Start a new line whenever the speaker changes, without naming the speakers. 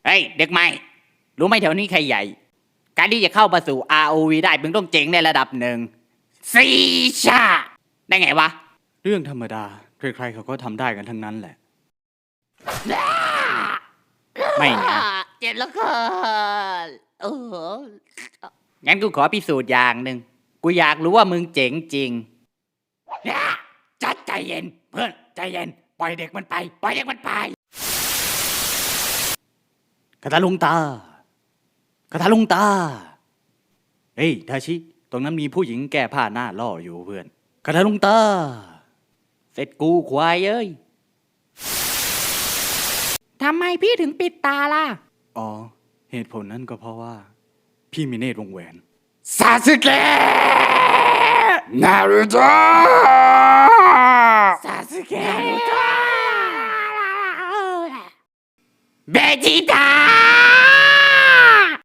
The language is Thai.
เฮ้ยเด็กใหม่รู้ไหมแถวนี้ใครใหญ่การที่จะเข้ามาสู่ ROV ได้มึงต้องเจ๋งในระดับหนึ่งซีชาได้ไงวะ
เรื่องธรรมดาใครๆเขาก็ทำได้กันทั้งนั้นแหละ
ไม่นะ
เจ็บแล้วค่ะ
งั้นกูขอพิสูจน์อย่างหนึ่งกูอยากรู้ว่ามึงเจ๋งจริงจัดใจเย็นเพื่อนใจเย็นปล่อยเด็กมันไปปล่อยเด็กมันไป
คาถาลุงตาคาถาลุงตาเฮ้ยทาชิตรงนั้นมีผู้หญิงแก้ผ้าหน้าล่ออยู่เพื่อนคาถาลุงตา
เสร็จกูควายเอ้ยทำไมพี่ถึงปิดตาล่ะ
อ๋อเหตุผลนั้นก็เพราะว่าพี่มีเนตรวงแหวน
ซาสึเกะนารูโตะซาสึเกะนารูโตะเบจิต้า